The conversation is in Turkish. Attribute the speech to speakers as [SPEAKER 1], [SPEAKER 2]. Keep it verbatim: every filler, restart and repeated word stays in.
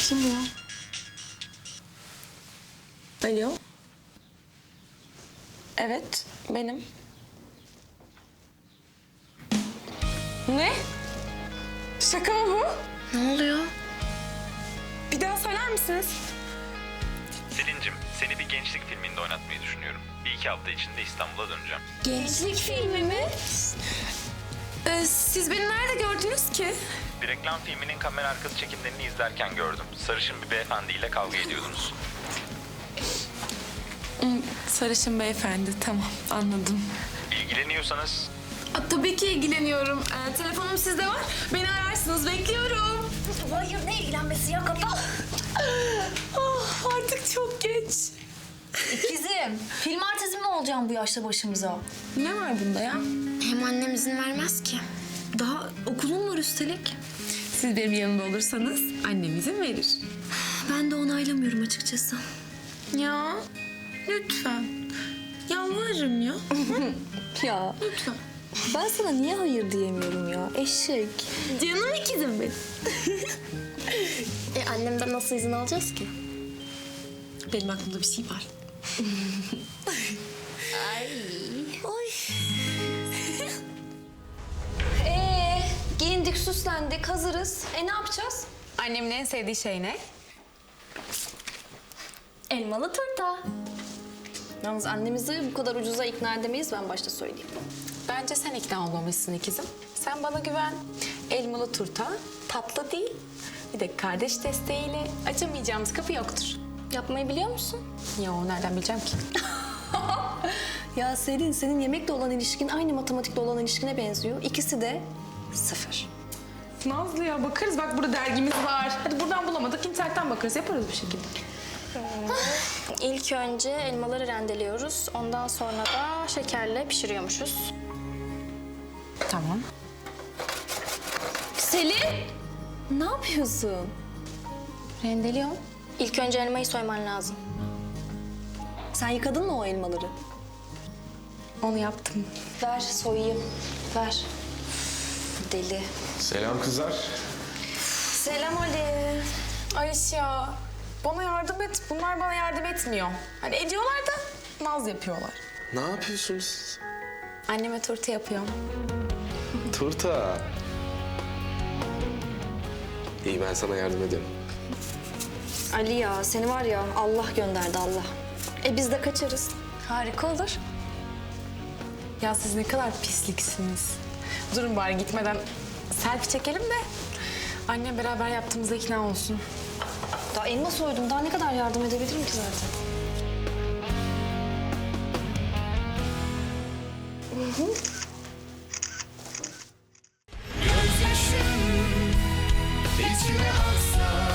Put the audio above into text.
[SPEAKER 1] Kim ya? Alo. Evet, benim. Ne? Şaka mı bu?
[SPEAKER 2] Ne oluyor?
[SPEAKER 1] Bir daha söyler misiniz?
[SPEAKER 3] Selin'cim, seni bir gençlik filminde oynatmayı düşünüyorum. Bir iki hafta içinde İstanbul'a döneceğim.
[SPEAKER 2] Gençlik filmi mi?
[SPEAKER 1] Ee, siz beni nerede gördünüz ki?
[SPEAKER 3] Bir reklam filminin kamera arkası çekimlerini izlerken gördüm. Sarışın bir beyefendiyle kavga ediyordunuz.
[SPEAKER 1] Hmm, sarışın beyefendi, tamam anladım.
[SPEAKER 3] İlgileniyorsanız
[SPEAKER 1] Aa, tabii ki ilgileniyorum. Ee, telefonum sizde var. Beni ararsınız, bekliyorum.
[SPEAKER 2] Hayır, ne ilgilenmesi ya, kapa.
[SPEAKER 1] Ah, artık çok geç.
[SPEAKER 2] İkizim, film artisti mi olacağım bu yaşta başımıza?
[SPEAKER 1] Ne var bunda ya?
[SPEAKER 2] Hem annem izin vermez ki. Daha okulum var üstelik.
[SPEAKER 1] Siz benim yanımda olursanız annem izin verir.
[SPEAKER 2] Ben de onaylamıyorum açıkçası.
[SPEAKER 1] Ya lütfen. Yalvarırım ya.
[SPEAKER 2] Ya
[SPEAKER 1] Lütfen.
[SPEAKER 2] ben sana niye hayır diyemiyorum ya? Eşek.
[SPEAKER 1] Canım ikizim benim.
[SPEAKER 2] E annemden nasıl izin alacağız ki?
[SPEAKER 1] Benim aklımda bir şey var.
[SPEAKER 2] Oy. Ee, giyindik, süslendik, hazırız. E ne yapacağız?
[SPEAKER 1] Annemin en sevdiği şey ne?
[SPEAKER 2] Elmalı turta. Yalnız annemizi bu kadar ucuza ikna edemeyiz, ben başta söyleyeyim.
[SPEAKER 1] Bence sen ikna olmamışsın ikizim. Sen bana güven. Elmalı turta tatlı değil. Bir de kardeş desteğiyle açamayacağımız kapı yoktur.
[SPEAKER 2] Yapmayı biliyor musun?
[SPEAKER 1] Ya nereden bileceğim ki?
[SPEAKER 2] Ya Selin, senin yemekle olan ilişkin aynı matematikle olan ilişkine benziyor. İkisi de sıfır.
[SPEAKER 1] Nazlı ya bakarız, bak burada dergimiz var. Hadi buradan bulamadık, internetten bakarız, yaparız bir şekilde.
[SPEAKER 2] İlk önce elmaları rendeliyoruz. Ondan sonra da şekerle pişiriyormuşuz.
[SPEAKER 1] Tamam.
[SPEAKER 2] Selin! Ne yapıyorsun?
[SPEAKER 1] Rendeliyorum.
[SPEAKER 2] İlk önce elmayı soyman lazım. Sen yıkadın mı o elmaları?
[SPEAKER 1] Onu yaptım.
[SPEAKER 2] Ver soyayım. Ver. Deli.
[SPEAKER 4] Selam kızlar.
[SPEAKER 2] Selam Ali.
[SPEAKER 1] Ayşe ya, bana yardım et. Bunlar bana yardım etmiyor. Hani ediyorlar da naz yapıyorlar.
[SPEAKER 4] Ne yapıyorsunuz?
[SPEAKER 1] Anneme turta yapıyorum.
[SPEAKER 4] Turta. İyi, ben sana yardım ederim.
[SPEAKER 2] Ali ya, seni var ya Allah gönderdi, Allah. E biz de kaçarız.
[SPEAKER 1] Harika olur. Ya siz ne kadar pisliksiniz. Durun bari gitmeden selfie çekelim de annem beraber yaptığımıza ikna olsun.
[SPEAKER 2] Daha elma soydum. Daha ne kadar yardım edebilirim ki zaten?
[SPEAKER 5] Gözyaşım içime aksa